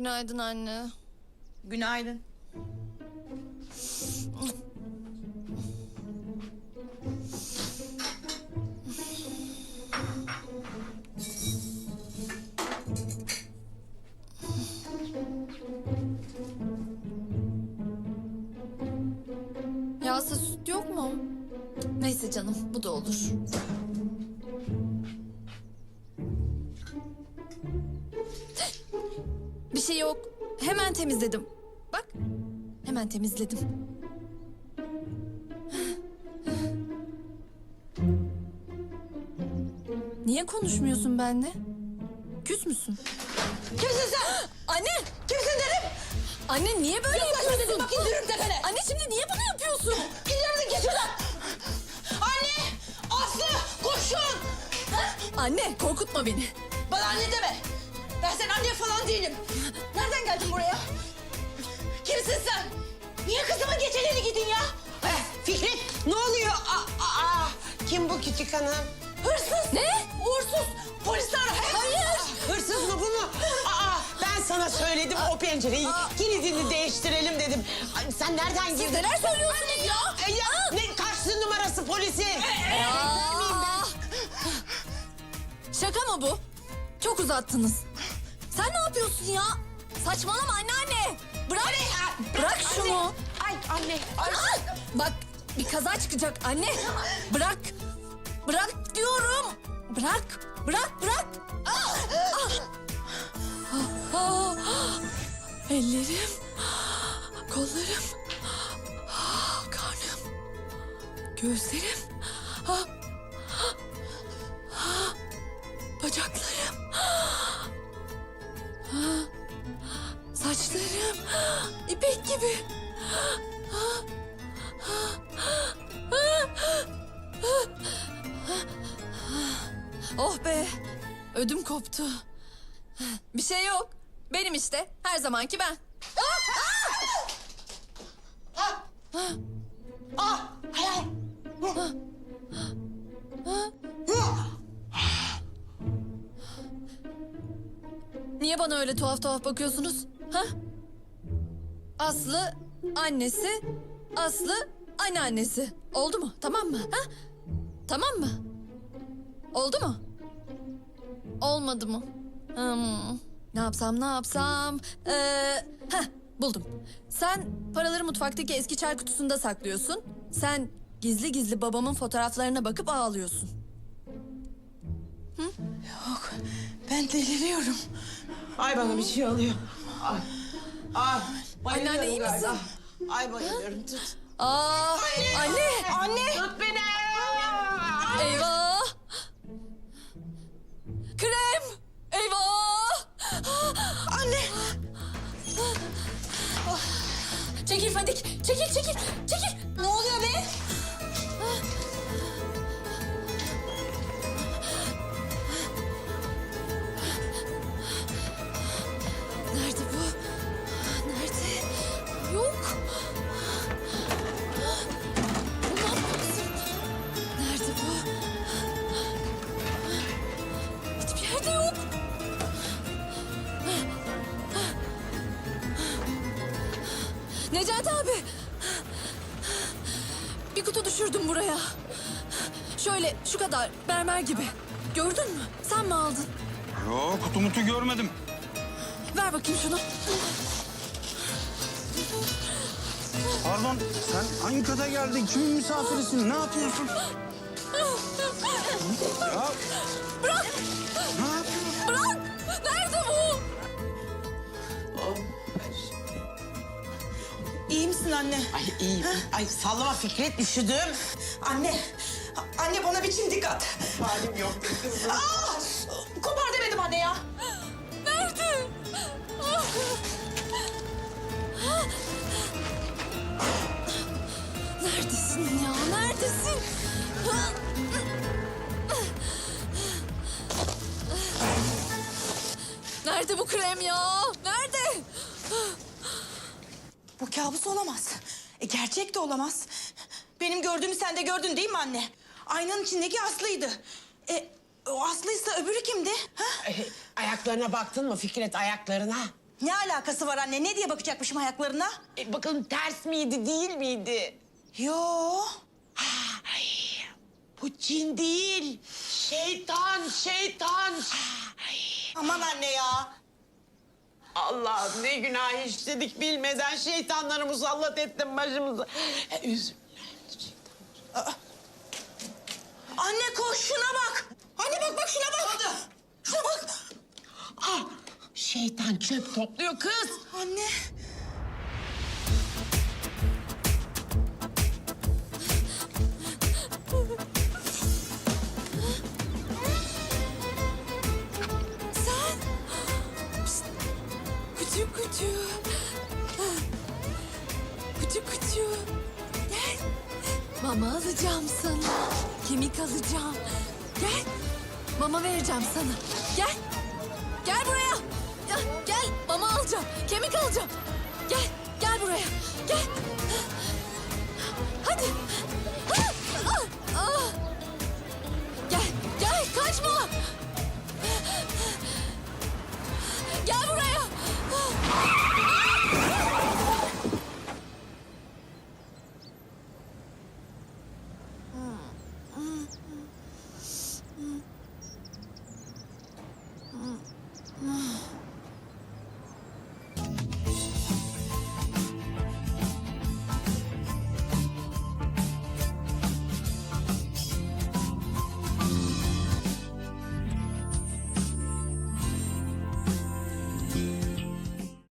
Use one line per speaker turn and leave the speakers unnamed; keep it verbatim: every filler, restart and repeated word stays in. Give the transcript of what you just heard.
Günaydın anne.
Günaydın.
Yağsız süt yok mu? Neyse canım, bu da olur. Bir şey yok. Hemen temizledim. Bak, hemen temizledim. Niye konuşmuyorsun benimle? Küs müsün?
Kimsin sen?
Anne!
Kimsin dedim?
Anne niye böyle yapıyorsun?
Dedim bak indiririm tepene.
Anne şimdi niye bunu yapıyorsun?
İndirdin git şuradan. Anne! Aslı! Koşun!
Anne korkutma beni.
Bana anne deme. Ben senin anne falan değilim. Nereden geldin buraya? Kimsin sen? Niye kızımın geceleri gidin ya?
Eh, Fikret ne oluyor? Aa, aa, kim bu küçük hanım?
Hırsız!
Ne?
Uğursuz! Polisler!
Hayır. Hırsız mı bu mu? Aa, ben sana söyledim o pencereyi kilidini değiştirelim dedim. Ay, sen nereden girdin?
Siz neler söylüyorsunuz ya?
E, ya ne kaçtı numarası polisin?
Aa! Şaka mı bu? Çok uzattınız. Sen ne yapıyorsun ya? Saçmalama anneanne. Bırak. Bırak şunu.
Ay anne! Ay.
Aa! Bak bir kaza çıkacak anne. Bırak. Bırak diyorum. Bırak. Bırak bırak. Ah! Ah! Ah! Ellerim. Kollarım. Ah, karnım. Gözlerim. Ah! Ah! Bacaklarım. Ah! Saçlarım. İpek gibi. Oh be. Ödüm koptu. Bir şey yok. Benim işte. Her zamanki ben.
Ah, hayal.
Niye bana öyle tuhaf tuhaf bakıyorsunuz? Ha? Aslı annesi, Aslı anneannesi. Oldu mu? Tamam mı? Ha? Tamam mı? Oldu mu? Olmadı mı? Hmm. Ne yapsam ne yapsam? Ee, heh, buldum. Sen paraları mutfaktaki eski çay kutusunda saklıyorsun. Sen gizli gizli babamın fotoğraflarına bakıp ağlıyorsun.
Yok. Ben deliriyorum.
Ay bana bir şey oluyor. Ay, ay bayılıyorum
Anneanne, iyi misin?
galiba. Ay bayılıyorum tut.
Aa, anne!
Anne!
Tut beni.
Eyvah! Krem! Eyvah!
Anne!
Çekil Fadik! Çekil, çekil, çekil!
Ne oluyor be?
Nerede bu? Nerede? Yok. Bulmam lazım. Nerede bu? Hiçbir yerde yok. Necati abi. Bir kutu düşürdüm buraya. Şöyle şu kadar mermer gibi. Gördün mü? Sen mi aldın?
Yok kutu mutu görmedim.
Ver bakayım şunu.
Pardon sen hangi kata geldin? Kimin misafirisin? Ne yapıyorsun? Ya
Bırak!
ne yapıyorsun?
Bırak! Nerede bu?
İyi misin anne?
Ay iyiyim. Ay sallama Fikret üşüdüm.
Anne! Anne bana bir çimdik at.
Halim yok kızım.
Aa! Kopar demedim anne ya.
Nerede? Neredesin ya? Neredesin? Nerede bu krem ya? Nerede?
Bu kabus olamaz. E, gerçek de olamaz. Benim gördüğümü sen de gördün değil mi anne? Aynanın içindeki Aslı'ydı. E, o Aslı'ysa öbürü kimdi? Ha?
Ay, ayaklarına baktın mı Fikret ayaklarına?
Ne alakası var anne? Ne diye bakacakmışım ayaklarına?
E, bakalım ters miydi değil miydi?
Yo.
Ay, bu cin değil. Şeytan, şeytan. Ay,
Aman anne ya.
Allah'ım ne günah işledik bilmeden şeytanları musallat ettin başımıza. E, üzüm.
Anne koş şuna bak. Anne bak bak şuna bak. Şuna bak.
Ah, şeytan çöp topluyor kız.
Anne.
Sen. Pişt. Kucu kucu. Kucu kucu. Gel. Mama alacağım sana. Kemik alacağım. Gel. Mama vereceğim sana. Gel. Gel buraya. Gel, gel. Mama alacağım.